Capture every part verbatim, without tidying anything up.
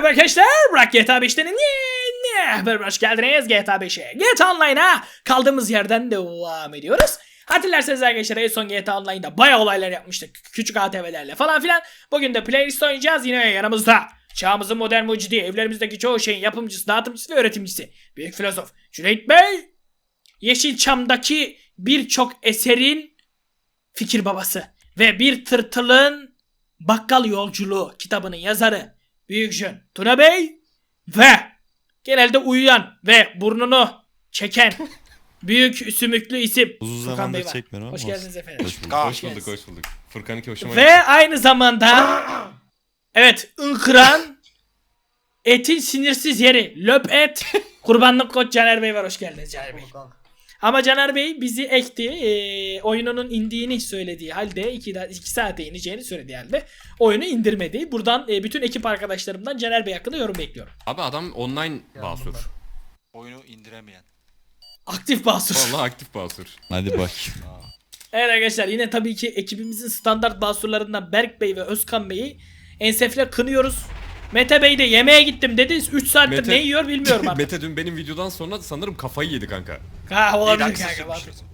Merhaba arkadaşlar, Burak G T A beş'ten yeni haber hoş geldiniz G T A beş'e. G T A Online'a kaldığımız yerden devam ediyoruz. Hatırlarsanız arkadaşlar en son G T A Online'da bayağı olaylar yapmıştık. Küçük A T V'lerle falan filan. Bugün de playlist oynayacağız yine yanımızda. Çağımızın modern mucidi, evlerimizdeki çoğu şeyin yapımcısı, dağıtımcısı ve öğretimcisi. Büyük filozof Cüneyt Bey. Yeşilçam'daki birçok eserin fikir babası. Ve Bir Tırtılın Bakkal Yolculuğu kitabının yazarı Büyük Jön Tuna Bey ve genelde uyuyan ve burnunu çeken büyük sümüklü isim Uzun Furkan Bey zamandır var. çekmiyorum Hoş ama geldiniz efendim. Hoş bulduk. Hoş geldiniz. bulduk, hoş bulduk. Furkan iki hoşuma Ve gitti. aynı zamanda evet ınkıran etin sinirsiz yeri löp et kurbanlık koç Caner Bey var. Hoş geldiniz Caner Bey. Ama Caner Bey bizi ekti. E, oyununun indiğini söylediği halde iki saate ineceğini söylediği halde oyunu indirmedi. Buradan e, bütün ekip arkadaşlarımdan Caner Bey hakkında yorum bekliyorum. Abi adam online basur. Oyunu indiremeyen. Aktif basur. Vallahi aktif basur. Hadi bak. Evet arkadaşlar yine tabii ki ekibimizin standart basurlarından Berk Bey ve Özkan Bey'i ensefle kınıyoruz. Mete Bey de yemeğe gittim dedi. üç saattir Mete- ne yiyor bilmiyorum artık. Mete dün benim videodan sonra sanırım kafayı yedi kanka. Ha olabilir Neyden kanka. bak. sürmüşüz?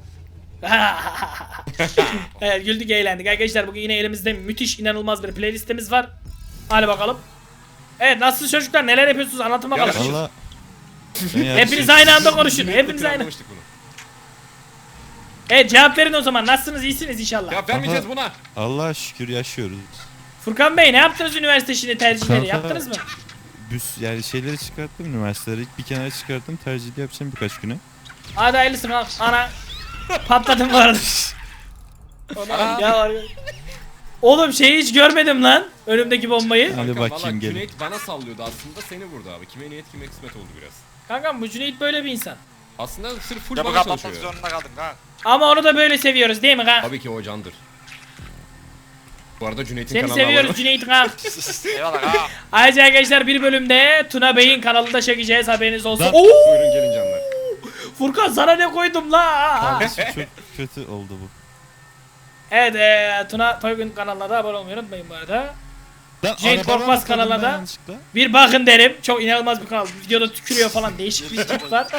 Evet güldük eğlendik arkadaşlar, bugün yine elimizde müthiş inanılmaz bir playlistimiz var. Hadi bakalım. Evet nasılsınız çocuklar, neler yapıyorsunuz anlatın bakalım. Ya, Valla. Hepiniz aynı anda konuşun, hepiniz aynı. Anlamıştık bunu. Evet cevap verin o zaman, nasılsınız, iyisiniz inşallah. Ya vermeyeceğiz buna. Allah'a şükür yaşıyoruz. Furkan Bey ne yaptınız üniversite şimdi, tercihleri Kanka- yaptınız mı? Büs yani şeyleri çıkarttım üniversiteleri. Bir kenara çıkarttım, tercihli yapacağım birkaç güne. Hadi hayırlısı lan. Ana patladım bu arada. ya var ya. Oğlum şeyi hiç görmedim lan, önümdeki bombayı. Hadi Kanka, bakayım vallahi gelin. Cüneyt bana sallıyordu aslında, seni vurdu abi. Kime niyet kime kısmet oldu biraz. Kankam bu Cüneyt böyle bir insan. Aslında sırf full Ya bu bana kapatmak çalışıyor. zorunda kaldım ha. Ama onu da böyle seviyoruz değil mi kanka? Tabii ki o candır. Bu arada Cüneyt'in Seni kanalına seviyoruz abone- Cüneyt kanka. Eyvallah ha. Ayrıca arkadaşlar bir bölümde Tuna Bey'in kanalında çekeceğiz, haberiniz olsun. Lan- Oo! Buyurun gelin canlar. Furkan sana ne koydum la? Kardeşim çok kötü oldu bu. Evet e, Tuna Toygun kanalına da abone olmayı unutmayın bu arada. Lan Cenk arabadan Korkmaz atladım kanalına ben da- yanlışlıkla. Bir bakın derim, çok inanılmaz bir kanal. Videoda tükürüyor falan, değişik bir tip var.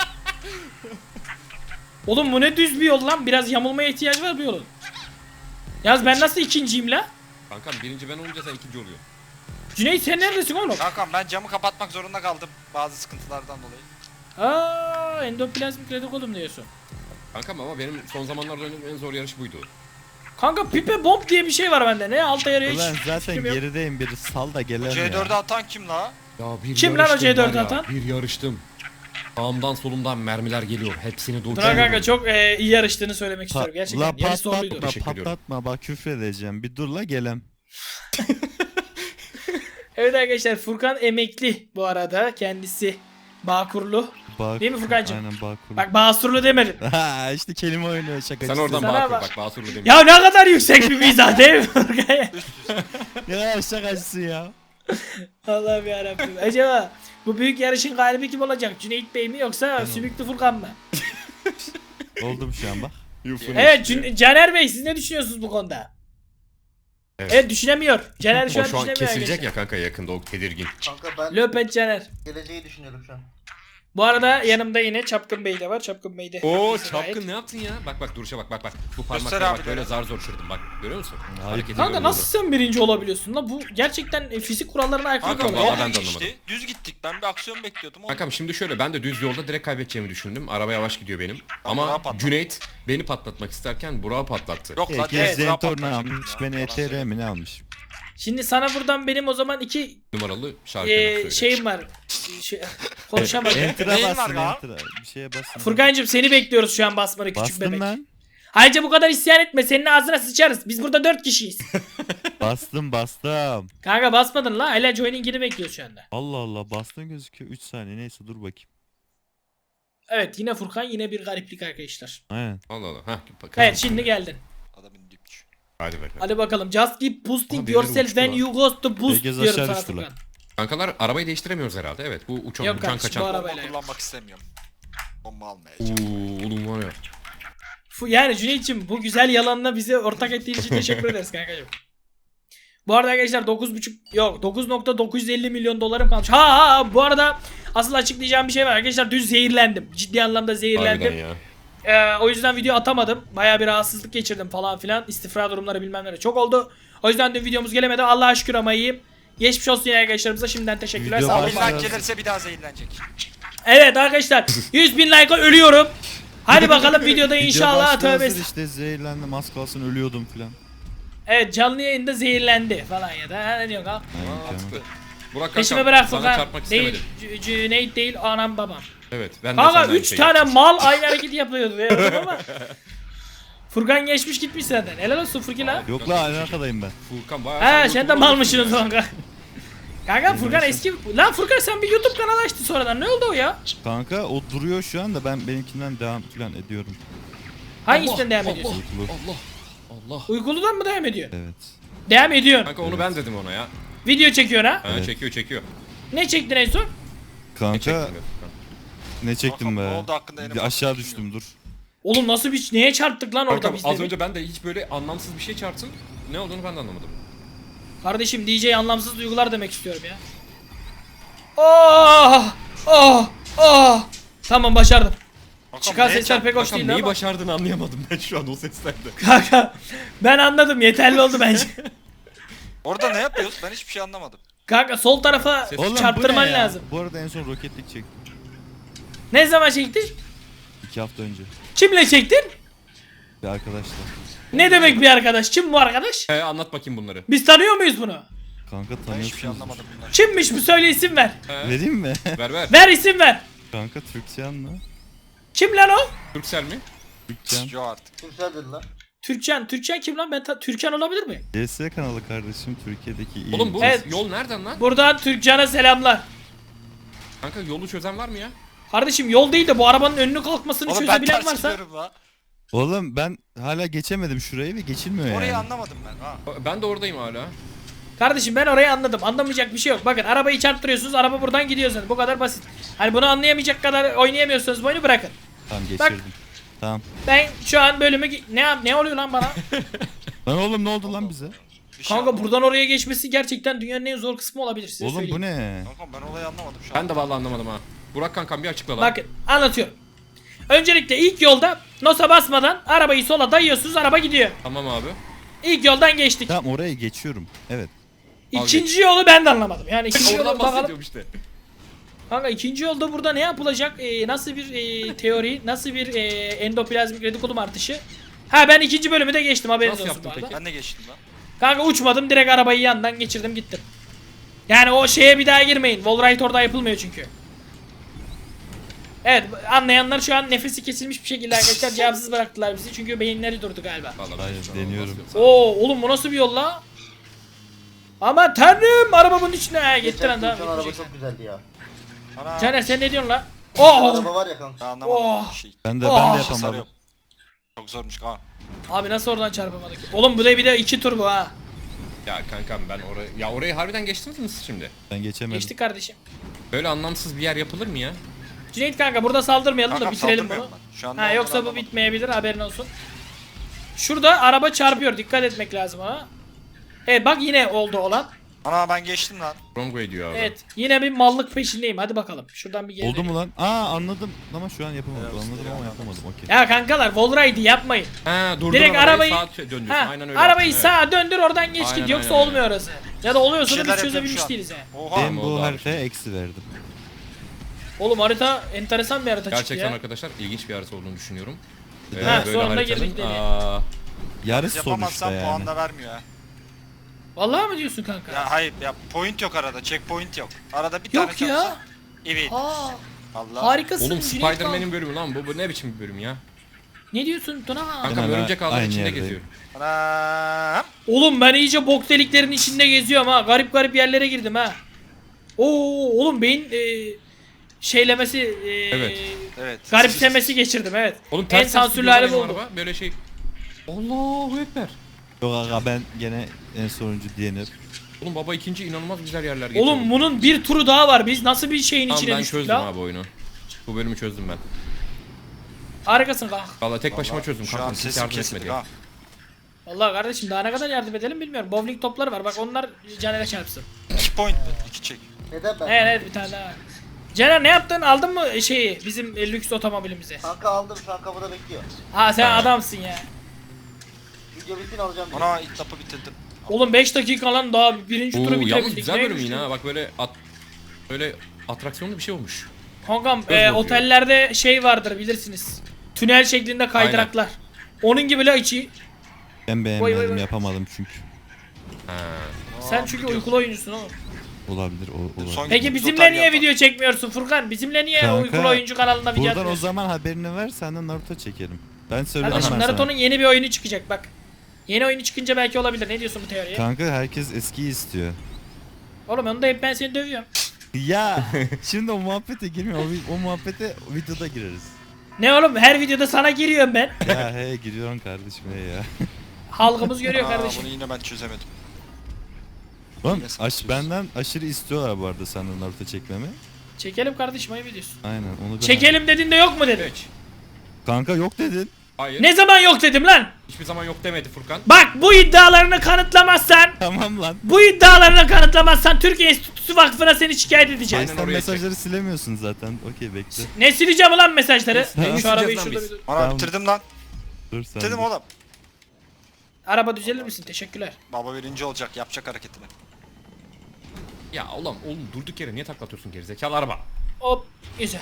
Oğlum bu ne düz bir yol lan, biraz yamulmaya ihtiyaç var bu yolun. Yalnız ben nasıl ikinciyim la? Kankam birinci ben olunca sen ikinci oluyorsun. Cüneyt sen neredesin oğlum? Kankam ben camı kapatmak zorunda kaldım bazı sıkıntılardan dolayı. Aaa endoplazmik retikulum diyorsun. Kankam ama benim son zamanlarda oynadığım en zor yarış buydu. Kanka pipe bomb diye bir şey var bende, ne alta yarıyor hiç Ulan zaten fikrim yok. gerideyim, biri sal da gelen C dört'e ya. atan kim la? Ya bir Kim lan o yarıştım C dört var ya, atan? Bir yarıştım. Sağımdan solumdan mermiler geliyor. Hepsini Tuna durduruyorum. kanka çok e, iyi yarıştığını söylemek Pa- istiyorum gerçekten. La Yarış zorluydu. patlatma, Teşekkür ediyorum. patlatma bak küfredeceğim. Bir dur la gelem. Evet arkadaşlar Furkan emekli bu arada, kendisi Bağkurlu. Bak, Değil mi Furkancığım? Aynen Bağkur. Bak Basurlu demedim. Ha işte kelime oynuyor şakacısı. Sen oradan Sana Bağkur bak. bak Basurlu demiş. Ya ne kadar yüksek bir mizah değil mi Furkan? Ya şakacısı ya. Allah'ım yarabbim. Acaba bu büyük yarışın galibi kim olacak? Cüneyt Bey mi yoksa Sümüklü Furkan mı? Oldum şu an bak. Yufun Evet işte. Cün- Caner Bey siz ne düşünüyorsunuz bu konuda? Evet. Evet düşünemiyor. Caner şu O an şu an düşünemiyor kesilecek arkadaşlar. ya kanka yakında, o tedirgin. Kanka ben Löpet Caner. geleceği düşünüyorum şu an. Bu arada yanımda yine Çapkın Bey de var. Çapkın Bey de. Oo haklısın gayet. çapkın ne yaptın ya? Bak bak duruşa bak bak bak. Bu Göster parmaklara bak abi böyle de. zar zor çırdım bak. Görüyor musun? Hayır. Hareketi Kanka görüyorum nasıl sen birinci olabiliyorsun lan? Bu gerçekten e, fizik kurallarına aykırı Kankam bir vallahi olay. ben yok de işte. anlamadım. Düz gittik, ben bir aksiyon bekliyordum. burada. Kankam şimdi şöyle, ben de düz yolda direkt kaybedeceğimi düşündüm. Araba yavaş gidiyor benim. Burak'ı Ama patlattı. Cüneyt beni patlatmak isterken Burak'ı patlattı. Yok lan. Herkes direkt Zentorno patlayacak almış. ya, Ben falan E T R söylüyorum. mi ne almış? Şimdi sana buradan benim o zaman iki Numaralı şarkı e, söyle. şeyim var. Şey, konuşamadım. Enter'a Neyin var basın ya? enter'a. Bir şeye basın. Furkancığım seni bekliyoruz şu an basmanı, küçük Bastım bebek. ben. Ayrıca bu kadar isyan etme, senin ağzına sıçarız. Biz burada dört kişiyiz. Bastım bastım. Kanka basmadın la, hala joining'ini bekliyoruz şu anda. Allah Allah bastım gözüküyor. üç saniye neyse dur bakayım. Evet yine Furkan, yine bir gariplik arkadaşlar. Aynen. Allah Allah. Heh, bak- Evet şimdi geldin. Adamın dipçi. Hadi bakalım. Hadi bakalım. Just keep boosting Abi, yourself birileri when uçtu you go to boost Herkes diyorum aşağı sana düştü lan. Furkan. Kankalar arabayı değiştiremiyoruz herhalde. Evet bu uçan Yok uçan kardeşim, kaçan. bu ara- Bomba Arabayla kullanmak istemiyorum. Bomba Uuu almayacağım. oğlum var ya. Fu- Yani Cüneyt'ciğim bu güzel yalanla bize ortak ettiğin için teşekkür ederiz kankacığım. Bu arada arkadaşlar dokuz buçuk yok dokuz nokta dokuz yüz elli milyon dolarım kalmış. Ha ha ha, bu arada asıl açıklayacağım bir şey var arkadaşlar, dün zehirlendim. Ciddi anlamda zehirlendim. Harbiden ya. Ee, o yüzden video atamadım. Bayağı bir rahatsızlık geçirdim falan filan. İstifra durumları bilmem neler çok oldu. O yüzden dün videomuz gelemedi. Allah'a şükür ama iyiyim. Geçmiş olsun yine arkadaşlarımıza şimdiden teşekkürler. Video Sağ olun. baş- Bir like gelirse bir daha zehirlenecek. Evet arkadaşlar yüz bin like'a ölüyorum. Hadi bakalım videoda Video inşallah başta tövbe. hazır işte zehirlendim az kalsın ölüyordum filan. Evet canlı yayında zehirlendi falan ya da ha, ne diyorsun ha? Aynen, Mantıklı. tamam. Burak Peşime kankam bırak sana Furkan. çarpmak Değil, istemedim. C- Cüneyt değil anam babam. Evet ben de Kanka senden üç şey tane yapacağım. mal aynı hareketi yapıyordu ya ama. Furkan geçmiş gitmiş senden. Helal olsun Furki lan. Yok la aynı arkadayım ben. Furkan bayağı Ha sen sen de YouTuber malmışsın o olmuşsun zaman kanka. Kanka Furkan eski... Lan Furkan sen bir YouTube kanalı açtın sonradan. Ne oldu o ya? Kanka o duruyor şu anda ben benimkinden devam filan ediyorum. Hangisinden devam Allah, ediyorsun? Uykulu. Allah. Allah. Uykuludan mı devam ediyor? Evet. Devam ediyorsun. Kanka onu ben dedim ona ya. Video çekiyorsun ha? Ha, Evet. çekiyor çekiyor. Ne çektin en son? Ne Kanka çektin be Furkan? ne çektim Kankam, be. ne oldu hakkında yeni Bir aşağı bahsettim düştüm dur. Oğlum nasıl bir... Neye çarptık lan orada Kankam biz az dedik? önce ben de hiç böyle anlamsız bir şey çarptım. Ne olduğunu ben de anlamadım. Kardeşim D J anlamsız duygular demek istiyorum ya. Oh! Oh! Oh! Tamam başardım. Kankam, Çıkan neye sesler çarp- pek hoş Kankam değildi neyi ama. başardığını anlayamadım ben şu an o seslerde. Kanka ben anladım, yeterli oldu bence. Orada ne yapıyoruz? Ben hiçbir şey anlamadım. Kanka sol tarafa Ses- Oğlum bu çarptırman ne ya? lazım. Bu arada en son roketlik çektim. Ne zaman çektin? İki hafta önce. Kimle çektin? Bir arkadaşla. Ne demek bir arkadaş? Kim bu arkadaş? He anlat bakayım bunları. Biz tanıyor muyuz bunu? Kanka Ben hiçbir şey tanıyorsunuz. anlamadım bundan. Kimmiş bu, söyle isim ver. He, Vereyim mi? ver ver. Ver isim ver. Kanka Türkçen mi? Kim lan o? Türksel mi? Türkçen. Yok artık. Türkçen. Türkçen kim lan? Ben ta- Türkçen olabilir mi? C S kanalı kardeşim Türkiye'deki iyi. Oğlum bu Evet. yol nereden lan? Buradan Türkçen'e selamlar. Kanka yolu çözen var mı ya? Kardeşim yol değil de bu arabanın önünü kalkmasını Oğlum ben çözebilen ters varsa. gidiyorum la. Oğlum ben hala geçemedim şurayı ve geçilmiyor Orayı yani. anlamadım ben ha. Ben de oradayım hala. Kardeşim ben orayı anladım. Anlamayacak bir şey yok. Bakın arabayı çarptırıyorsunuz, araba buradan gidiyor zaten. Bu kadar basit. Hani bunu anlayamayacak kadar oynayamıyorsanız bu oyunu bırakın. Tamam Bak. geçirdim. Tamam. Ben şu an bölümü gi- ne yap- ne oluyor lan bana? Lan oğlum ne oldu lan bize? Bir şey Kanka anlamadım. buradan oraya geçmesi gerçekten dünyanın en zor kısmı olabilir size Oğlum söyleyeyim. bu ne? Kankam ben olayı anlamadım şu an. Ben de vallahi anlamadım ha. Burak kankam bir açıkla lan. Bakın anlatıyorum. Öncelikle ilk yolda nosa basmadan arabayı sola dayıyorsunuz, araba gidiyor. Tamam abi. İlk yoldan geçtik. Tamam oraya geçiyorum. Evet. İkinci yolu ben de anlamadım. Yani ikinci Oradan yolu bakalım. bahsediyorum işte. Kanka ikinci yolda burada ne yapılacak? Ee, nasıl bir e, teori, nasıl bir e, endoplazmik retikulum artışı? Ha ben ikinci bölümü de geçtim, haberiniz Nasıl olsun bu yaptın arada. peki? Ben de geçtim lan. Kanka uçmadım, direkt arabayı yandan geçirdim gittim. Yani o şeye bir daha girmeyin. Wallride orada yapılmıyor çünkü. Evet anlayanlar şu an nefesi kesilmiş bir şekilde arkadaşlar cevapsız bıraktılar bizi çünkü beyinleri durdu galiba. Vallahi Hayır, ben şu an deniyorum. bahsediyorum. Oo oğlum bu nasıl bir yol la? Ama tanrım arabamın içine ha gitti lan daha. Geçen araba çok güzeldi ya. Ana. Caner sen ne diyorsun la? Oh! Araba var ya kanka. Ben anlamadım Oh. bir şey. Ben de Oh. ben de Bir şey yapamadım. sarıyorum. Çok zormuş kanka. Abi nasıl oradan çarpamadık? Oğlum bu da bir de iki tur bu ha. Ya kankam ben oraya... Ya orayı harbiden geçtiniz mi siz şimdi? Ben geçemedim. Geçtik kardeşim. Böyle anlamsız bir yer yapılır mı ya? Cüneyt kanka burada saldırmayalım da Kankam bitirelim bunu. saldırmıyorum ben. Şu anda Ha onları yoksa bu anlamadım. bitmeyebilir, haberin olsun. Şurada araba çarpıyor, dikkat etmek lazım ona. Evet bak yine oldu olan. Ana ben geçtim lan. Wrong way diyor abi. Evet yine bir mallık peşindeyim, hadi bakalım. Şuradan bir geri Oldu dönelim. mu lan? Aa anladım ama şu an yapamadım. Evet, Anladım evet. ama yapamadım. Okey. Ya kankalar wallride'i yapmayın. Ha durdur Direkt arabayı, arabayı- sağa döndürüyorsun. Ha, Aynen öyle. arabayı yaptın, sağa döndür oradan geç Aynen, git yoksa aynen, olmuyor orası. Ya da oluyorsa da Bir şeyler biz yapıyorum çözebilmiş şu an. değiliz he. Oha. Ben Tamam, oldu bu abi. haritaya eksi verdim. Oğlum harita enteresan bir harita Evet. çıktı Gerçekten ya. arkadaşlar ilginç bir harita olduğunu düşünüyorum. Ha, böyle sonunda haritanın, girdik dedi. aa, Yarış sonuçta Yapamazsam yani. puan da vermiyor ha. Vallahi mi diyorsun kanka? Ya hayır ya point yok arada. Checkpoint yok. Arada bir Yok tane ya. çarpsa. Evet. Aa, Allah. harikasın. Oğlum Cüneyt kanka. Spider-Man'in bölümü lan bu, bu ne biçim bir bölüm ya? Ne diyorsun Tuna? Kankam hala örümcek ağların aynı içinde yerdeyim. geziyor. Anam. Oğlum ben iyice bok deliklerin içinde geziyorum ha. Garip garip yerlere girdim ha. Oo oğlum beyin e, şeylemesi e, Evet. Evet. garipsemesi geçirdim evet. Oğlum En ters ters sansürlü gidiyor lan hali bu benim oldu. araba. Böyle şey. Allahu ekber. Yok aga ben gene en sonuncu diyenim. Oğlum baba ikinci inanılmaz güzel yerler geçiyor. Oğlum bunun bir turu daha var. Biz nasıl bir şeyin Tamam içine ben düştük çözdüm la? abi oyunu. Bu bölümü çözdüm ben. Harikasın kanka. Vallahi tek başıma Vallahi çözdüm Şu kankam. an Kimse sesim yardım kesildi etmedi. ha. Vallahi kardeşim daha ne kadar yardım edelim bilmiyorum. Bowling topları var bak onlar Caner'e çarpsın. iki point mu? iki çek. Neden ben? Evet evet bir tane daha var. Caner ne yaptın aldın mı şeyi bizim e, lüks otomobilimizi? Kanka aldım şu an kapıda bekliyor. Ha sen adamsın ya. Video bitsin alacağım diye. Ana ilk lapı bitirdim. Oğlum beş dakika lan daha birinci turu Oo, yalnız bitirebildik. güzel Ne bölüm güçlü. yine ha. Bak böyle at böyle atraksiyonlu bir şey olmuş. Kankam Göz e, bakıyor. otellerde şey vardır bilirsiniz. Tünel şeklinde kaydıraklar. Onun gibi la içi. Ben Vay, beğenmedim vay, vay. yapamadım çünkü. Ha. Sen çünkü uykulu oyuncusun oğlum. Olabilir o olabilir. Son- Peki Biz bizimle otel niye yapalım. video çekmiyorsun Furkan? Bizimle niye Kanka, uykulu oyuncu kanalında video Buradan o atmıyorsun? zaman haberini ver senden Naruto çekelim. Ben söyledim Kardeşim ben Naruto'nun sana. yeni bir oyunu çıkacak bak. Yeni oyunu çıkınca belki olabilir. Ne diyorsun bu teoriye? Kanka herkes eskiyi istiyor. Oğlum onu da hep ben seni dövüyorum. Ya şimdi o muhabbete girmiyor. O, vi- o muhabbete videoda gireriz. Ne oğlum her videoda sana giriyorum ben. Ya he giriyorsun kardeşim he ya. Halkımız görüyor Aa, kardeşim. bunu yine ben çözemedim. Oğlum Yine aş, sıkıyorsun. benden aşırı istiyorlar bu arada senden Naruto çekmemi. Çekelim kardeşim ayıp ediyorsun. Aynen onu ben... Çekelim dedin de yok mu dedin? Hiç. Kanka yok dedin. Hayır. Ne zaman yok dedim lan? Hiçbir zaman yok demedi Furkan. Bak bu iddialarını kanıtlamazsan Tamam lan. bu iddialarını kanıtlamazsan Türkiye Enstitüsü Vakfı'na seni şikayet edeceğiz. Aynen Sen oraya mesajları silemiyorsun zaten. Okey bekle. Ne sileceğim ulan mesajları? Tamam. Şu arabayı Sileceğiz lan şurada biz. bir dur. Ana Tamam. bitirdim lan. Dur sen. Bitirdim dur. oğlum. Araba düzelir misin? Teşekkürler. Baba birinci olacak yapacak hareketini. Ya oğlum oğlum durduk yere niye taklatıyorsun gerizekalı araba? Hop güzel.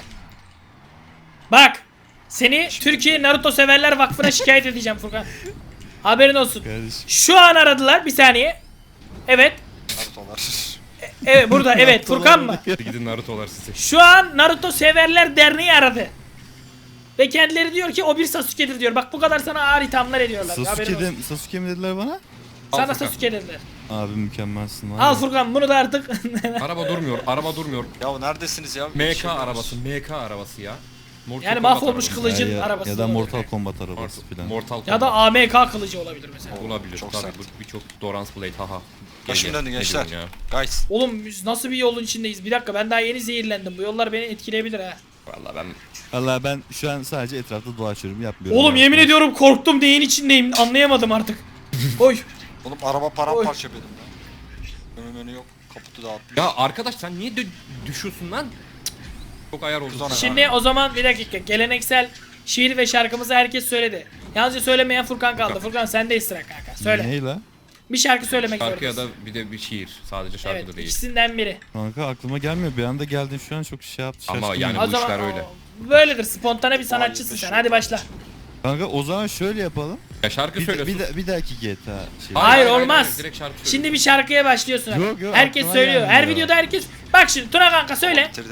Bak seni Türkiye Naruto Severler Vakfı'na şikayet edeceğim Furkan. Haberin olsun. Kardeşim. Şu an aradılar bir saniye. Evet. Naruto'lar. Evet burada evet Furkan mı? Gidin Naruto'lar sizi. Şu an Naruto Severler Derneği aradı. Ve kendileri diyor ki o bir Sasuke'dir diyor. Bak bu kadar sana ağır ithamlar ediyorlar. Haberin Sasuke, olsun. de, Sasuke mi dediler bana? Al Sana Furkan. Sasuke dediler. Abi mükemmelsin var Al ya. Furkan bunu da artık. Araba durmuyor, araba durmuyor. Ya neredesiniz ya? M Şey K yapıyoruz. arabası, M K arabası ya. Mortal Yani Kombat mahvolmuş arabası. kılıcın ya, arabası. ya da olabilir. Mortal Kombat arabası Mortal, filan. Mortal Kombat. Ya da A M K kılıcı olabilir mesela. olabilir. Çok Tabii sert. bu birçok Dorans Blade haha. Başım Gel, döndü gel. Ne gençler. diyorsun ya? Guys. Oğlum biz nasıl bir yolun içindeyiz? Bir dakika ben daha yeni zehirlendim. Bu yollar beni etkileyebilir ha. Vallahi ben Valla ben şu an sadece etrafta dolaşıyorum yapmıyorum. Oğlum ya. yemin ediyorum korktum neyin içindeyim anlayamadım artık. Oy. Oğlum araba paramparça benim ya. Önü önü yok. Kaputu dağıtmış. ya arkadaş sen niye dö- düşüyorsun lan? Cık. Çok ayar oldun. Kız ona- Şimdi o zaman bir dakika geleneksel şiir ve şarkımızı herkes söyledi. Yalnızca söylemeyen Furkan kaldı. Furkan sendeyiz sıra kanka. Söyle. Ney la? Bir şarkı söylemek Şarkı ya zorundasın. da bir de bir şiir. Sadece şarkı Evet da değil. ikisinden biri. Kanka aklıma gelmiyor. Bir anda geldin şu an çok şey yaptı. Ama şaşkınım. yani- O bu zaman işler öyle. o- böyledir. Spontane bir sanatçısın Vay, sen. beş Hadi yıl. başla. Kanka o zaman şöyle yapalım. Ya şarkı Bir, de, söylüyorsun. bir, de, bir dahaki G T A şey. Hayır, olmaz. Direkt şarkı söyle. Şimdi bir şarkıya başlıyorsun. abi. Yok, yok, herkes aklıma söylüyor. Her gelmiyor. videoda herkes. Bak şimdi Tuna kanka söyle. Bitirdi.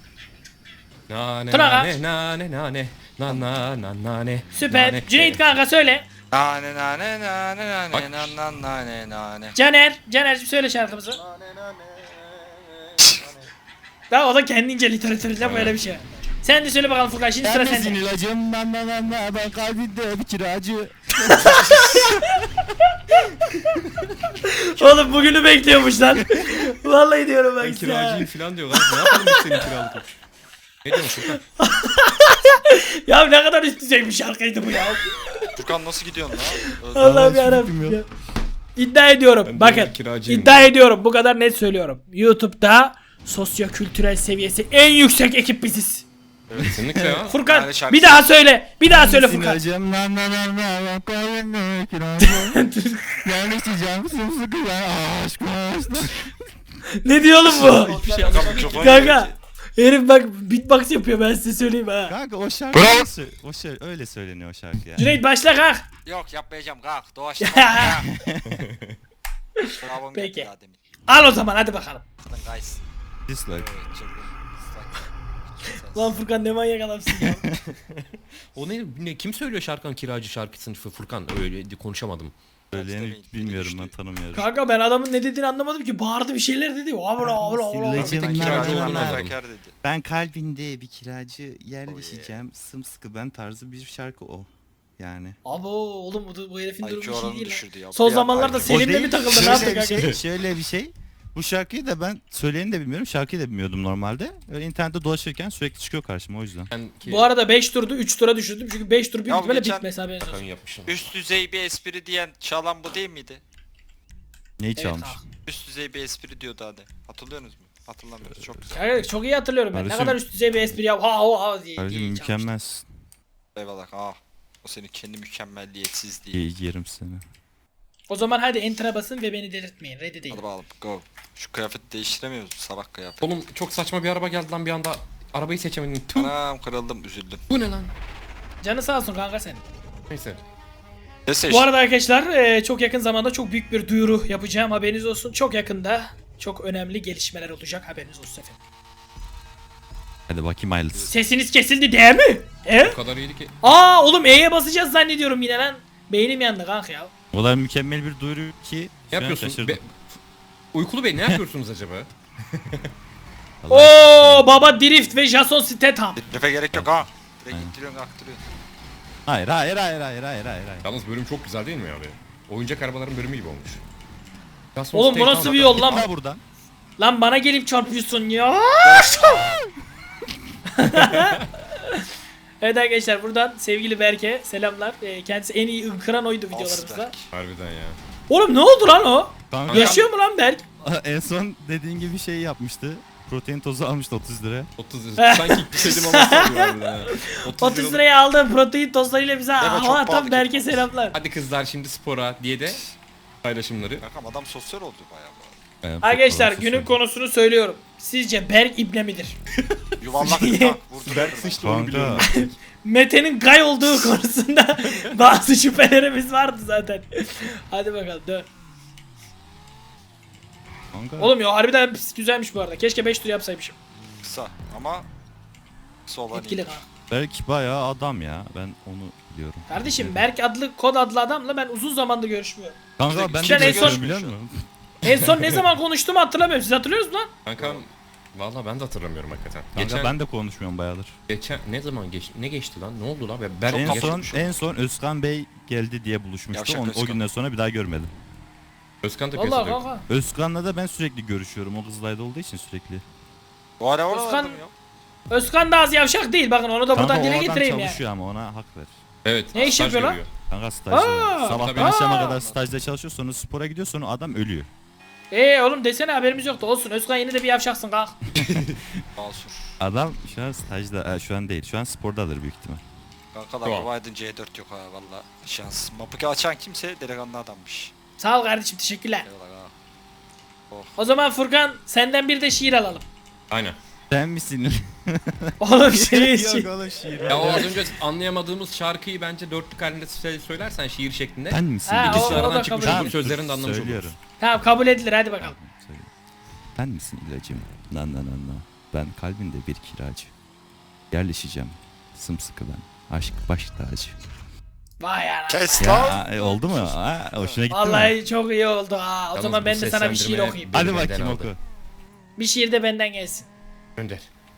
Nane Tuna nane nane nane na na na nane. Süper. nane. Cüneyt kanka söyle. Nane nane nane nane Bak. nane nane nane nane. Caner. Caner'cim söyle şarkımızı. Nane nane. Daha o da kendince literatüründe böyle bir şey. Sen de söyle bakalım Furkan şimdi sıra sende. ilacım ben ben ben ben ben kalbinde bir kiracı. Oğlum bugünü bekliyormuş lan. Vallahi diyorum Ben bak size. kiracıyım falan diyor lan. Ne yapalım biz senin kiralık? Ne diyorsun Furkan? Ya ne kadar üst düzey bir şarkıydı bu ya. Furkan nasıl gidiyorsun lan? Öldüm. Allah'ım hiç yarabbim fikrim ya. yok. İddia ediyorum. Ben de Bakın. kiracıyım. İddia ediyorum. Bu kadar net söylüyorum. YouTube'da sosyokültürel seviyesi en yüksek ekip biziz. Kesinlikle ya. Furkan Yani şarkı- bir daha söyle. Bir daha söyle Furkan. İlacım ben ben ben ben ben kalbinde kiracı. Yerleşeceğim sımsıkı ben aşk aşk. Ne diyor oğlum bu? Hiçbir şey Kanka anlamadım. mikrofon Kanka. Herif bak beatbox yapıyor ben size söyleyeyim ha. Kanka o şarkı öyle sö- o şey öyle söyleniyor o şarkı ya. Cüneyt başla kalk. Yok yapmayacağım kalk doğaçlama. kalk. Bravo Peki. geldi daha demin. Al o zaman hadi bakalım. Guys. Dislike. Evet, çılgın. Dislike. Lan Furkan ne manyak adamsın ya. O ne, ne kim söylüyor şarkının kiracı şarkısını Furkan öyle konuşamadım. Söyleyeni bilmiyorum ben Düştü. tanımıyorum. Kanka ben adamın ne dediğini anlamadım ki. Bağırdı bir şeyler dedi. Abla abla abla. Sillacım tek kiracı ben- olduğunu ben- anladım. Fedakarlık dedi. Ben kalbinde bir kiracı yerleşeceğim sımsıkı ben tarzı bir şarkı o. Yani. Abo oğlum bu, bu herifin I Q durumu iyi oranını değil düşürdü ya. lan. Son Bir zamanlarda an- Selim'le mi takıldı ne yaptı şöyle bir kanka? şey, şöyle bir şey. Bu şarkıyı da ben söyleyeni de bilmiyorum. Şarkıyı da bilmiyordum normalde. Öyle internette dolaşırken sürekli çıkıyor karşıma o yüzden. Ben ki Bu arada beş turdu üç tura düşürdüm çünkü beş tur büyük Ya ihtimalle geçen- bitmez haberiniz olsun. Hakan yapmışım. Üst düzey bir espri diyen çalan bu değil miydi? Neyi Evet, çalmış? ha. Üst düzey bir espri diyordu hadi. Hatırlıyorsunuz mu? Hatırlamıyoruz. Çok güzel. Evet, çok iyi hatırlıyorum ben. Ne Kardeşim- kadar üst düzey bir espri yap. Ha ha ha diye. Kardeşim diye çalmıştım. mükemmelsin. Eyvallah. Ah. O senin kendi mükemmelliyetsizliği. İyi yerim seni. O zaman hadi enter'a basın ve beni delirtmeyin. Ready değil. Hadi bakalım. Go. Şu kıyafeti değiştiremiyoruz. Sabah kıyafeti. Oğlum çok saçma bir araba geldi lan bir anda. Arabayı seçemedim. Tüh. Anam kırıldım. Üzüldüm. Bu ne lan? Canı sağ olsun kanka senin. Neyse. Ne seçtin? Bu arada arkadaşlar e, çok yakın zamanda çok büyük bir duyuru yapacağım, haberiniz olsun. Çok yakında çok önemli gelişmeler olacak, haberiniz olsun efendim. Hadi bakayım hayırlısı. Sesiniz kesildi değil mi? E? O kadar iyiydi ki. Aa oğlum E'ye basacağız zannediyorum yine lan. Beynim yandı kanka ya. O kadar mükemmel bir duyuru ki. Ne şu an yapıyorsunuz? şaşırdım. Be- Uykulu Bey ne yapıyorsunuz acaba? Oo baba Drift ve Jason Statham. Refe gerek yok ha. Direkt Aynen. ittiriyorsun aktırıyorsun. Hayır hayır hayır hayır hayır hayır hayır. Yalnız bölüm çok güzel değil mi abi? Oyuncak arabaların bölümü gibi olmuş. Jason Oğlum bu Statham- nasıl bir yol lan? Ha buradan. Lan bana gelip çarpıyorsun ya. Evet arkadaşlar buradan sevgili Berke selamlar. Ee, kendisi en iyi ınkıran oydu videolarımızda. Asberk. Harbiden ya. Oğlum ne oldu lan o? Kanka, Yaşıyor mu lan Berk? en son dediğin gibi şey yapmıştı. Protein tozu almıştı otuz lira. otuz lira. Sanki ilk ama sanıyorum ha. otuz liralık- liraya aldığım protein tostlarıyla bize çok hava pahalı atan Berke geliyor. selamlar. Hadi kızlar şimdi spora diye de paylaşımları. Kankam adam sosyal oldu bayağı bu arada. Ben çok Arkadaşlar fazla günün söyledim. konusunu söylüyorum. Sizce Berk ibne midir? Yuvarlak bir tank vurdu. Berk sıçtı onu biliyorum. Kanka. Mete'nin gay olduğu konusunda bazı şüphelerimiz vardı zaten. Hadi bakalım dön. Kanka. Oğlum ya harbiden pis güzelmiş bu arada. Keşke beş tur yapsaymışım. Kısa ama kısa olan Etkili iyi. kanka. Berk bayağı adam ya. Ben onu biliyorum. Kardeşim Berk adlı kod adlı adamla ben uzun zamandır görüşmüyorum. Kanka ben Sen de en son- görüşüyorum biliyor musun? En son ne zaman konuştuğumu hatırlamıyorum. Siz hatırlıyor musunuz lan? Kankam valla ben de hatırlamıyorum hakikaten. Kanka geçen, ben de konuşmuyorum bayağıdır. geçen ne zaman geçti? Ne geçti lan? Ne oldu lan? Ben, ben En Çok son geçmiş en son Özkan Bey geldi diye buluşmuştu. Yavşak Onu, o Özkan. günden sonra bir daha görmedim. Özkan da Vallahi piyasada yok. kanka. Özkan'la da ben sürekli görüşüyorum. O kızlayda olduğu için sürekli. Bu ara Özkan- oralardım ya. Özkan da az yavşak değil. Bakın onu da buradan Kanka o dile adam getireyim ya. çalışıyor ama ona hak ver. Evet. Ne iş staj yapıyor lan? görüyor. Kanka stajda. Aa, Sabahtan tabii. akşama Aa. kadar stajda çalışıyor, sonra spora gidiyor, sonra adam ölüyor. Eee oğlum desene haberimiz yoktu. Olsun Özkan yine de bir yavşaksın kanka. Basur. Adam şu an stajda, e, şu an değil, şu an spordadır büyük ihtimal. Kankalar Tamam. providing C dört yok ha valla. Şans. Mapuki açan kimse delikanlı adammış. Sağ ol kardeşim teşekkürler. Eyvallah ha. O zaman Furkan senden bir de şiir alalım. Aynen. Sen misin? Oğlum şiir şiir. oğlum şiir. Ya o az önce anlayamadığımız şarkıyı bence dörtlük halinde sö- söylersen şiir şeklinde. Sen misin? Ha, Bir de o- şiir- o da Aradan kabul çıkmış edilir. olur sözlerini de anlamış Söylüyorum. oluruz. Tamam kabul edilir hadi bakalım. Söyle. Ben misin ilacım? Nan nan nan nan. Ben kalbinde bir kiracı. Yerleşeceğim. Sımsıkı ben. Aşk baş tacı. Vay ana. Kes lan. Ya e, oldu mu? Ha, hoşuna gitti mi? Vallahi çok iyi oldu ha. O Yalnız zaman bu ben de sana bir şiir seslendirme- okuyayım. Hadi Benden bakayım aldı. oku. Bir şiir de benden gelsin. Gönder.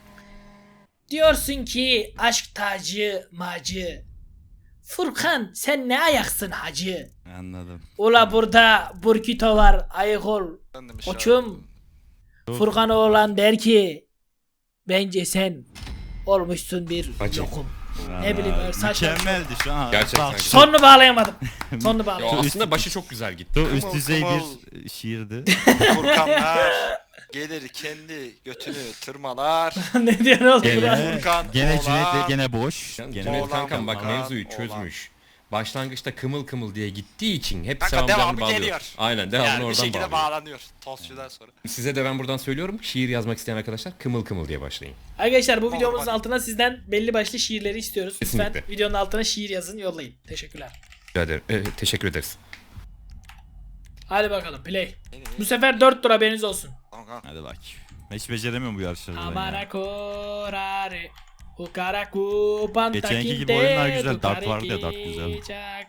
Diyorsun ki aşk tacı macı. Furkan sen ne ayaksın hacı. Anladım. Ula burada burkito var ayık ol. Ben de bir Koçum. Furkan oğlan der ki bence sen olmuşsun bir Hacı. yokum. Ne bileyim, öyle saçma. Mükemmeldi şu an. Gerçekten. Bak, Sonunu bağlayamadım. Sonunu Ya bağlayamadım. aslında başı çok güzel gitti. Çok üst düzey Kımal. bir şiirdi. Furkanlar gelir kendi götünü tırmalar. Ne diyorsun oğlum? Gene, Burak? Furkan, gene oğlan. Cüneyt gene boş. Yani Gene Cüneyt Oğlan, kankam bak oğlan, mevzuyu oğlan. çözmüş. Başlangıçta kımıl kımıl diye gittiği için hep Kanka selamlarını devamı bağlıyor. geliyor. Aynen devamını Yani bir oradan şekilde bağlıyor. bağlanıyor. Tostçudan sonra. Size de ben buradan söylüyorum. Şiir yazmak isteyen arkadaşlar kımıl kımıl diye başlayın. Arkadaşlar bu Olur, videomuzun bak. altına sizden belli başlı şiirleri istiyoruz. Lütfen Kesinlikle. videonun altına şiir yazın yollayın. Teşekkürler. Rica ederim. Evet, teşekkür ederiz. Hadi bakalım play. Ne, ne, Bu sefer dört tur haberiniz olsun. Tamam kanka. Hadi bak. Hiç beceremiyorum bu yarışları ben ya. Amara korare. Ukaraku panta Geçenki gibi oyunlar güzel, Dart vardı ya, Dart güzel.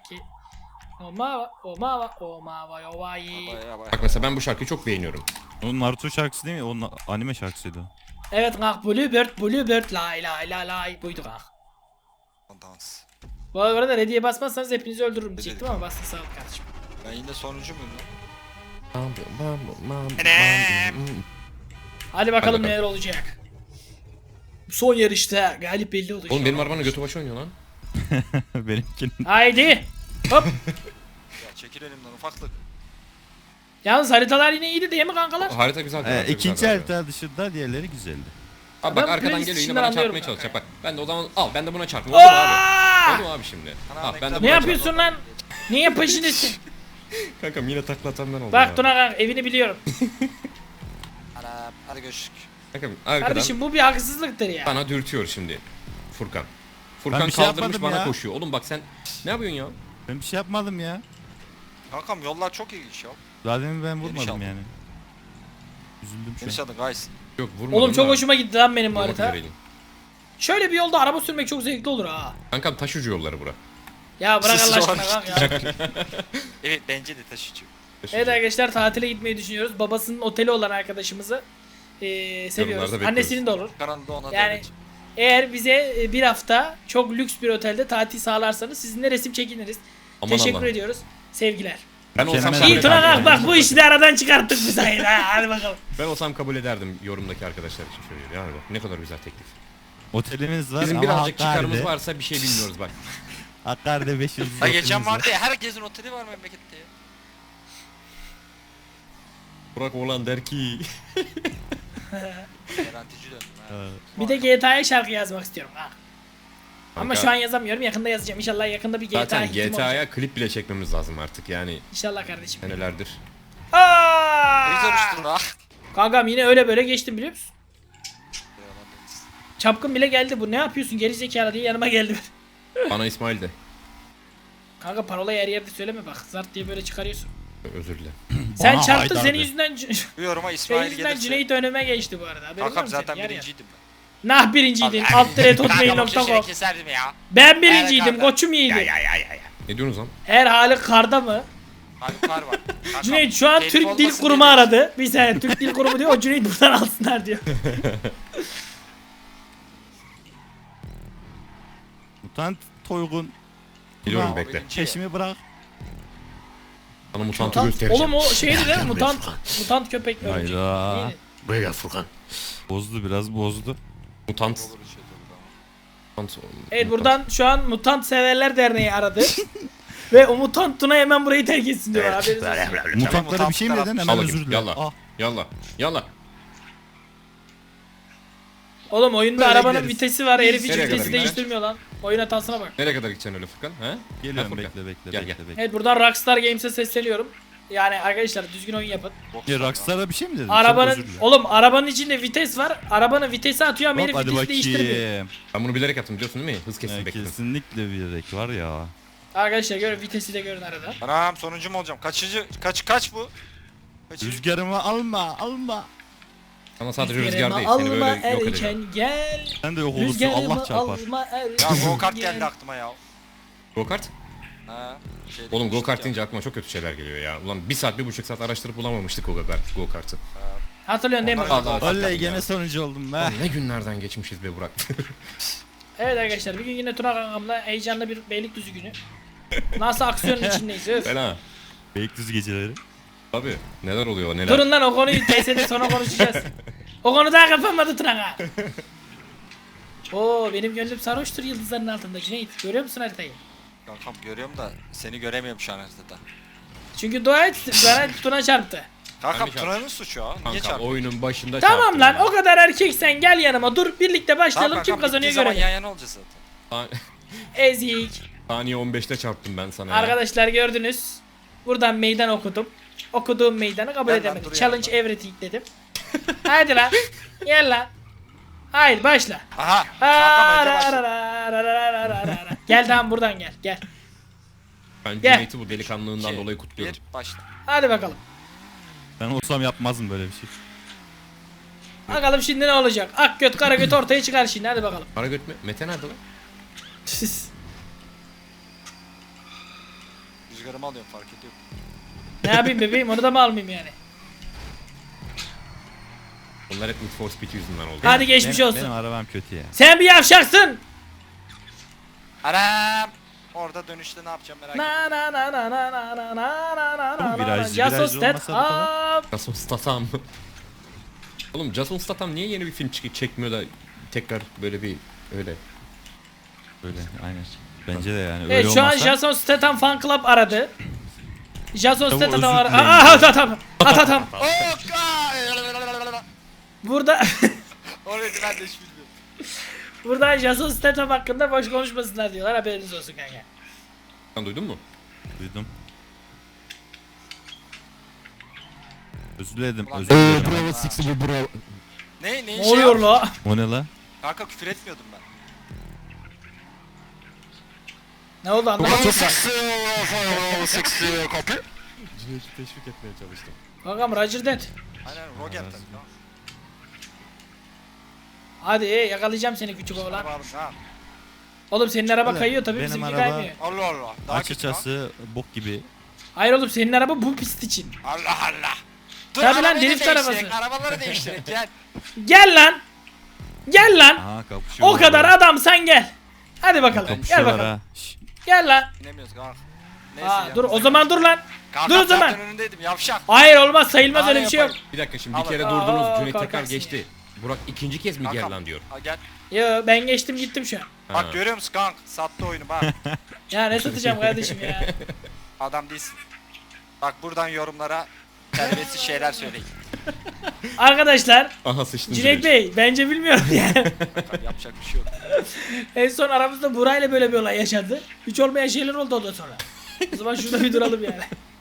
Omava, omava, omava, yovai. Baya baya. Bak mesela ben bu şarkıyı çok beğeniyorum. O Naruto şarkısı değil mi? O na- anime şarkısıydı. o. Evet kank Bluebird, Bluebird, lay lay lay lay. Buydu kank. Dans. Bu arada ready'ye basmazsanız hepinizi öldürürüm Ready diyecektim ama bastın sağ ol kardeşim. Ben yine sonuncu muyum lan? Hadi bakalım bakalım. neler olacak. Son yarışta galip belli olacak. Oğlum benim arabanın götü başı oynuyor lan. Benimkinin. Haydi. Hop. Ya çekil elimden ufaklık. Yalnız haritalar yine iyiydi değil mi kankalar? Harita güzel. Ee, harita ikinci güzel abi. harita dışında diğerleri güzeldi. Abi bak Ben arkadan playlist geliyor yine içinden bana anlıyorum çarpmaya çalışacak kanka. bak. Ben de o zaman al ben de buna çarpayım. Oldu mu abi? Aa! Oldu mu abi şimdi? Ana, Al ben de ne buna Ne çarpayım. yapıyorsun lan? Niye peşindesin? Kankam yine taklatan ben oldum Bak ya. Tuna kanka evini biliyorum. Ana hadi görüşürüz. Kankam arkadan Kardeşim bu bir haksızlıktır ya. bana dürtüyor şimdi. Furkan. Furkan Ben bir şey kaldırmış yapmadım bana ya. koşuyor. Oğlum bak sen ne yapıyorsun ya? Ben bir şey yapmadım ya. Kankam yollar çok ilginç ya. Zaten ben Geniş vurmadım aldım. yani. Üzüldüm şu Geniş an. adı guys. Yok vurmadım Oğlum çok da hoşuma gitti lan benim bu vurmak harita. üzereydim. Şöyle bir yolda araba sürmek çok zevkli olur ha. Kankam taş ucu yolları bura. Ya bırak Allah Sus aşkına var. bak ya. Evet bence de taşıcı. Taş Evet ucu. arkadaşlar tatile gitmeyi düşünüyoruz. Babasının oteli olan arkadaşımızı eee, seviyoruz. Yorumlarda bekliyoruz. Annesinin de olur. Kanalda ona Yani devlet. eğer bize e, bir hafta çok lüks bir otelde tatil sağlarsanız sizinle resim çekiniriz. Aman Teşekkür Allah. ediyoruz. Sevgiler. Ben olsam Mükemmel. kabul İyi Tuna ederdim. kalk bak bu işi de aradan çıkarttık biz hayır. Ha, hadi bakalım. Ben olsam kabul ederdim yorumdaki arkadaşlar için söylüyorum. Yani bak ne kadar güzel teklif. Otelimiz var Bizim ama birazcık çıkarımız Hakkari'de. varsa bir şey bilmiyoruz bak. Hakkari'de beş yıldız Ha geçen otelimiz var. vardı ya herkesin oteli var memlekette ya. Burak oğlan der ki. Garantici döndüm ha. Ee, Bir de G T A'ya şarkı yazmak istiyorum ha. Ama Kanka, şu an yazamıyorum. Yakında yazacağım. İnşallah yakında bir G T A zaten hitim olacak. G T A'ya klip bile çekmemiz lazım artık yani İnşallah kardeşim. senelerdir. Ne güzel Aa! uçtun ha. Kankam yine öyle böyle geçtim biliyor musun? Çapkın bile geldi bu. Ne yapıyorsun geri zekalı diye yanıma geldi. Bana İsmail de. Kanka parolayı her yerde söyleme bak. Zart diye böyle çıkarıyorsun. Özür dilerim. Sen Bana çarptın Haydar senin de. yüzünden Bu yoruma senin İsmail yüzünden gelirse. Cüneyt önüme geçti bu arada. Haberin var Kankam mı zaten senin? Yer yer. birinciydim ben. Nah birinciydin. Alt dire hotmail nokta com. keserdim ya. Ben birinciydim. Kanka. Koçum iyiydi. Ne diyorsunuz lan? Her hali karda mı? Haluk kar var. Kankam, Cüneyt şu an telif Türk Dil olmasın Kurumu diye- aradı. Bir saniye Türk Dil Kurumu diyor. O Cüneyt buradan alsınlar diyor. Mutant Toygun. Biliyorum Ulan, bekle. birinci. Peşimi bırak. Sana mutantı Mutant, göstereceğim. oğlum o şeydi değil mi? Mutant, mutant köpek mi? örümcek? Hayda. Neydi? Buraya gel Furkan. Bozdu biraz bozdu. Mutant. Olur bir şey tabii ama. Mutant. Evet buradan şu an Mutant Severler Derneği aradı. Ve o mutant Tuna hemen burayı terk etsin diyorlar. Haberiniz olsun. Mutantlara bir şey mi mutantlar dedin? Hemen Al özür bakayım. dilerim. Yalla. Ah. Yalla. Yalla. Oğlum oyunda Böyle arabanın gideriz. vitesi var. Herif hiç Nereye kadar vitesi gideceksin? değiştirmiyor lan. Oyun hatasına bak. Nereye kadar gideceksin öyle Furkan? He? Geliyorum Ha, Furkan. bekle bekle Gel, bekle gel. bekle. Evet buradan Rockstar Games'e sesleniyorum. Yani arkadaşlar düzgün oyun yapın. Ya Rockstar'a bir şey mi dedin? Çok Arabanın özür dilerim. oğlum arabanın içinde vites var. Arabanın vitesi atıyor ama Hop, herif hadi vitesi değiştirmiyor. bakayım. Ben bunu bilerek yaptım biliyorsun değil mi? Hız kesin Ya, bekledim. kesinlikle bir renk var ya. Arkadaşlar görün vitesi de görün arada. Anam sonuncu mu olacağım? Kaçıncı? Kaç kaç bu? Kaçıncı? Rüzgarımı alma alma. Ama sadece Rüzgarımı rüzgar değil. Seni alma böyle yok edeceğim. erken gel. Sen de yok olursun Rüzgarımı Allah çarpar. alma erken Ya go kart gel. geldi aklıma ya. Go kart? Ha. şeyde Oğlum go gitmiştik kart ya. deyince aklıma çok kötü şeyler geliyor ya. Ulan bir saat bir buçuk saat araştırıp bulamamıştık o go kart go kartı. Hatırlıyorsun değil mi? Onlar- Allah Oley ya. gene sonucu oldum be. Ulan ne günlerden geçmişiz be Burak. Evet arkadaşlar bir gün yine Tuna kankamla heyecanlı bir Beylikdüzü günü. Nasıl aksiyonun içindeyiz öf. Fena. Beylikdüzü geceleri. Abi neler oluyor neler. Durun lan o konuyu T S'de sonra konuşacağız. O konu daha kapanmadı Tuna kanka. Oo benim gönlüm sarhoştur yıldızların altında Cüneyt. Görüyor musun haritayı? Kankam görüyorum da seni göremiyorum şu an haritada. Çünkü dua et bana Tuna çarptı. Kankam Ben de Tuna'nın suçu ha. Niye Kanka çarptın? oyunun başında Tamam çarptım lan ya. o kadar erkeksen gel yanıma dur birlikte Tamam başlayalım kim kankam, kazanıyor bittiği zaman görelim. yan yana olacağız zaten. Sa- Ezik. Saniye on beşte çarptım ben sana ya. Arkadaşlar gördünüz. Buradan meydan okudum. Okuduğum meydanı kabul Gel lan, edemedim. dur Challenge yanımda. everything dedim. Hadi lan. Gel lan. Hayır başla. Aha. Kankam önce başla. Ararararararararara. Gel tamam buradan gel gel. Ben Gel. Cüneyt'i bu delikanlığından İki, dolayı kutluyorum. Bir başla. Hadi bakalım. Ben olsam yapmazdım böyle bir şey. Bakalım şimdi ne olacak? Ak göt kara göt ortaya çıkar şimdi hadi bakalım. Para götme. Mete nerede lan? Rüzgarımı alıyorum fark ediyorum. Ne yapayım bebeğim onu da mı almayayım yani? Onlar hep Need for Speed yüzünden oldu. Hadi geçmiş Benim- olsun. Benim arabam kötü ya. Sen bir yavşaksın. Anam. Orada dönüşte ne yapacağım merak Na etme. na na na na na na na na na Oğlum, na viraj- Jason virajlı olmasa bu Statham. kadar. Jason Statham. Oğlum Jason Statham niye yeni bir film çık çekmiyor da tekrar böyle bir öyle. Böyle aynen. Bence de yani öyle Evet şu an olmasa. Jason Statham fan club aradı. Jason Tamam, Statham özür aradı. dilerim. Aa Atatam. Atatam. Oh god! Burada Orayı ben de hiç bilmiyorum. burada Jason Statham hakkında boş konuşmasınlar diyorlar. Haberiniz olsun kanka. Sen duydun mu? Duydum. Özür dilerim, Ulan- özür dilerim. Bravo six bu bravo. Ne ne Ne şey oluyor yap- la? O ne la? Kanka küfür etmiyordum ben. Ne oldu anlamadım. Bravo six bravo six copy. Cüneyt'i teşvik etmeye çalıştım. Kankam Roger Dead. Aynen Roger tabii. ha. Hadi yakalayacağım seni küçük oğlan. Araba alın, ha. Oğlum senin araba Öyle, kayıyor tabii benim bizimki araba- kaymıyor. Allah Allah. Daha kötü lan. Açıkçası bok gibi. Hayır oğlum senin araba bu pist için. Allah Allah. Dur Tabii lan, arabayı drift değiştirek, arabası. Arabaları değiştirek gel. Gel lan. Gel lan. Aha kapışıyor. O kadar adam sen gel. Hadi bakalım. Gel Kapışıyorlar bakalım. ha. Şş, Gel lan. İnemiyoruz kanka. Neyse Aa, ya. dur o zaman dur lan. Kanka, dur o zaman. zaten önündeydim yavşak. Hayır olmaz sayılmaz Aa, öyle bir şey yok. yapayım. Bir dakika şimdi bir Al kere bakalım. durdunuz. Aa, Cüneyt tekrar korkaksın geçti. Burak ikinci kez mi gel Kankam. lan diyor. Ha, gel. Yo ben geçtim gittim şu an. Ha. Bak görüyor musun kanka? Sattı oyunu bak. Ya ne satacağım kardeşim ya. Adam değilsin. Bak buradan yorumlara terbiyesiz şeyler söyleyin. Arkadaşlar Aha sıçtın Cüneyt Bey bence bilmiyorum yani. Tabii yapacak bir şey yok. En son aramızda Buray'la böyle bir olay yaşandı. Hiç olmayan şeyler oldu ondan sonra. O zaman şurada bir duralım yani.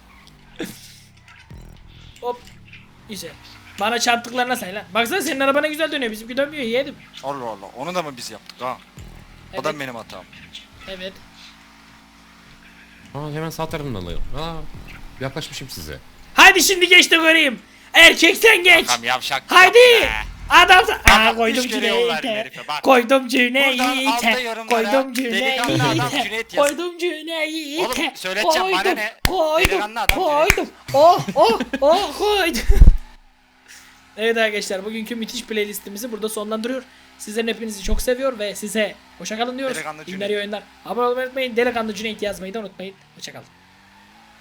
Hop. İşte. Bana çarptıklarına say lan. Baksana senin araba ne güzel dönüyor. Bizimki dönmüyor yedim. Allah Allah. Onu da mı biz yaptık ha? O da Evet. benim hatam. Evet. Aa hemen sağ tarafından alıyor. Aa yaklaşmışım size. Hadi şimdi geç de göreyim. Erkek sen geç. Tamam yavşak. Haydi. Be. Adam Aa Bak, koydum üç kere yol verdim Cüneyt'e. herife, bak. Koydum Buradan altta Cüneyt'e. yorumlara Koydum delikanlı adam Cüneyt'e. Cüneyt yaz. Koydum Cüneyt'e. Oğlum, söyleteceğim, bana Koydum, ne? Koydum. Delikanlı adam Koydum. Oh oh oh koydum. Evet arkadaşlar bugünkü müthiş playlistimizi burada sonlandırıyor. Sizlerin hepinizi çok seviyor ve size hoşça kalın diyoruz. Delikanlı İyi Cüneyt. oyunlar. Abone olmayı unutmayın. Delikanlı Cüneyt yazmayı da unutmayın. Hoşça kalın.